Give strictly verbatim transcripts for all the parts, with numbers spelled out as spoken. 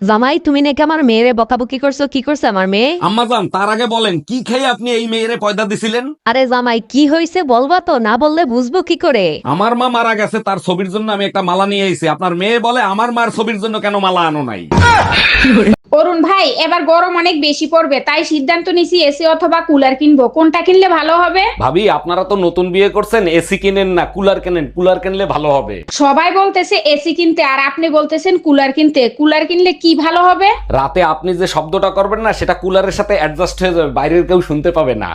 জামাই তুমি নাকি আমার মেয়েরে বকাবকি করছো, কি করছে আমার মেয়ে? আম্মাজান, তার আগে বলেন কি খেয়ে আপনি এই মেয়েরে পয়দা দিছিলেন? আরে জামাই কি হয়েছে বলবা তো, না বললে বুঝবো কি করে? আমার মা মারা গেছে, তার ছবির জন্য আমি একটা মালা নিয়ে এসেছি। আপনার মেয়ে বলে আমার মার ছবির জন্য কেন মালা আনো নাই? অরুণ ভাই, এবার গরম অনেক বেশি পড়বে, তাই সিদ্ধান্ত নিছি এসি অথবা কুলার কিনবো। কোনটা কিনলে ভালো হবে? ভাবি, আপনারা তো নতুন বিয়ে করছেন, এসি কিনেন না কুলার কেনেন। কুলার কিনলে ভালো হবে। সবাই বলতেছে এসি কিনতে, আর আপনি বলতেছেন কুলার কিনতে। কুলার কিনলে কি ভালো হবে? রাতে আপনি যে শব্দটা করবেন না, সেটা কুলারের সাথে অ্যাডজাস্ট হয়ে যাবে, বাইরের কেউ শুনতে পাবে না।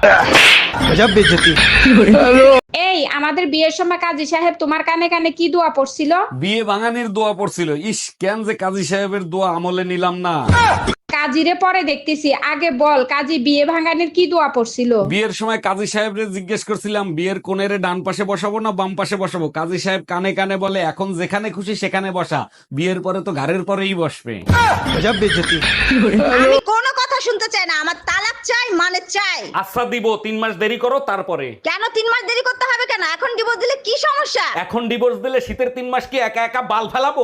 এই, আমাদের বিয়ের সময় কাজী সাহেব তোমার কানে কানে কি দোয়া পড়ছিল? বিয়ে ভাঙানির দোয়া পড়ছিল। ইস, কেন যে কাজী সাহেবের দোয়া আমলে নিলাম না। কাজীরে পরে দেখতেছি, আগে বল কাজী বিয়ে ভাঙানির কি দোয়া পড়ছিল? বিয়ের সময় কাজী সাহেবরে জিজ্ঞেস করছিলাম, বিয়ের কোণের ডান পাশে বসাবো না বাম পাশে বসাবো। কাজী সাহেব কানে কানে বলে, এখন যেখানে খুশি সেখানে বসা, বিয়ের পরে তো ঘাড়ের পরেই বসবে। আমি কোনো কথা শুনতে চাই না, আমার তালাক চাই মানে চাই। আচ্ছা দিব, তিন মাস দেরি করো তারপরে। কেন তিন মাস দেরি করতে হবে কেন? এখন ডিভোর্স দিলে কি সমস্যা? এখন ডিভোর্স দিলে শীতের তিন মাস কি একা একা বাল ফেলাবো?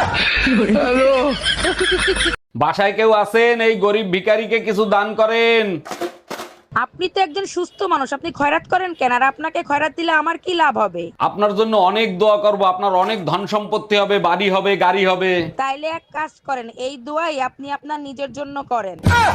বাসায় কেউ আছেন? এই গরিব ভিখারিকে কিছু দান করেন। আপনি তো একজন সুস্থ মানুষ, আপনি খয়রাত করেন কেন? আর আপনাকে খয়রাত দিলে আমার কি লাভ হবে? আপনার জন্য অনেক দোয়া করব, আপনার অনেক ধন সম্পত্তি হবে, বাড়ি হবে, গাড়ি হবে। তাইলে এক কাজ করেন, এই দোয়াই আপনি আপনার নিজের জন্য করেন।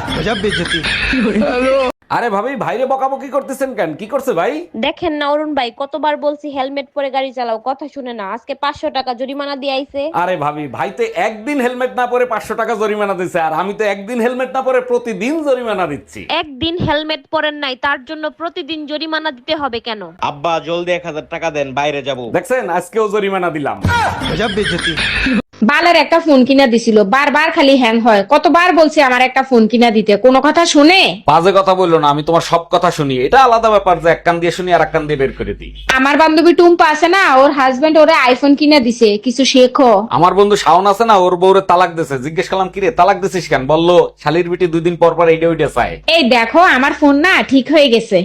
আরে ভাবি, ভাইরে বকাবকি করতেছেন কেন? কি করছে ভাই? দেখেন না অরুণ ভাই, কতবার বলছি হেলমেট পরে গাড়ি চালাও, কথা শুনে না। আজকে পাঁচশো টাকা জরিমানা দিয়ে আইছে। আরে ভাবি, ভাই তো একদিন হেলমেট না পরে পাঁচশো টাকা জরিমানা দিচ্ছে, আর আমি তো একদিন হেলমেট না পরে প্রতিদিন জরিমানা দিচ্ছি। একদিন হেলমেট পরেন নাই তার জন্য প্রতিদিন জরিমানা দিতে হবে কেন? আব্বা জলদি এক হাজার টাকা দেন, বাইরে যাব। দেখছেন, আজকেও জরিমানা দিলাম। বালের একটা ফোন কিনা দিছিল, বারবার খালি হ্যাং হয়। কতবার বলছি আমার একটা ফোন কিনা দিতে, কোনো কথা শুনে? বাজে কথা বললো না, আমি তোমার সব কথা শুনি। এটা আলাদা ব্যাপার যে এক কান দিয়ে শুনি আর এক কান দিয়ে বের করে দিই। আমার বান্ধবী টুম্পা আছে না, ওর হাজবেন্ড ওরে আইফোন কিনা দিছে, কিছু শেখো। আমার বন্ধু শাওন আছে না, ওর বউরে তালাক দিছে। জিজ্ঞেস করলাম, কিরে তালাক দিছিস কেন? বললো শালির বিটি দুই দিন পর পর এইটা ওইটা চায়। এই দেখো, আমার ফোন না ঠিক হয়ে গেছে।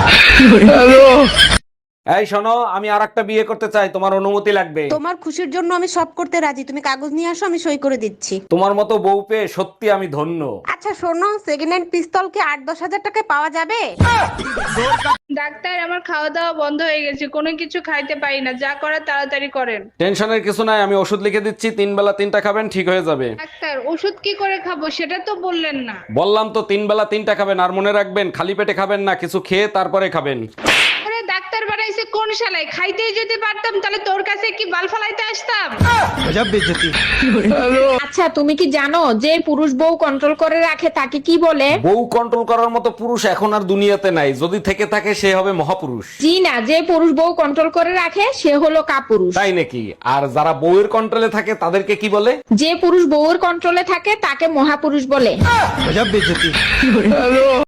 এই শোনো, আমি আর একটা বিয়ে করতে চাই, তোমার অনুমতি লাগবে। তোমার খুশির জন্য আমি সব করতে রাজি, তুমি কাগজ নিয়ে আসো, আমি সই করে দিচ্ছি। তোমার মতো বউ পেয়ে সত্যি আমি ধন্য। আচ্ছা শোনো, সেকেন্ড হ্যান্ড পিস্তল কি আট দশ হাজার টাকায় পাওয়া যাবে? ডাক্তার, আমার খাওয়া দাওয়া বন্ধ হয়ে গেছে, কোনো কিছু খাইতে পারি না, যা করার তাড়াতাড়ি করেন। টেনশনের কিছু নাই, আমি ওষুধ লিখে দিচ্ছি, তিন বেলা তিনটা খাবেন, ঠিক হয়ে যাবে। ডাক্তার, ওষুধ কি করে খাবো সেটা তো বললেন না। বললাম তো তিন বেলা তিনটা খাবেন, আর মনে রাখবেন খালি পেটে খাবেন না, কিছু খেয়ে তারপরে খাবেন। আরে ডাক্তার বানাইছে কোন শালায়? খাইতেই যদি পারতাম তাহলে তোর কাছে কি বাল ফালাইতে আসতাম? আচ্ছা তুমি কি জানো, যে পুরুষ বউ কন্ট্রোল করে রাখে তাকে কি বলে? বউ কন্ট্রোল করার মতো পুরুষ এখন আর দুনিয়াতে নাই, যদি থেকে থাকে সে হবে মহাপুরুষ। জি না, যে পুরুষ বউ কন্ট্রোল করে রাখে সে হলো কাপুরুষ। তাই নাকি? আর যারা বউয়ের কন্ট্রোলে থাকে তাদেরকে কি বলে? যে পুরুষ বউর কন্ট্রোলে থাকে তাকে মহাপুরুষ বলে।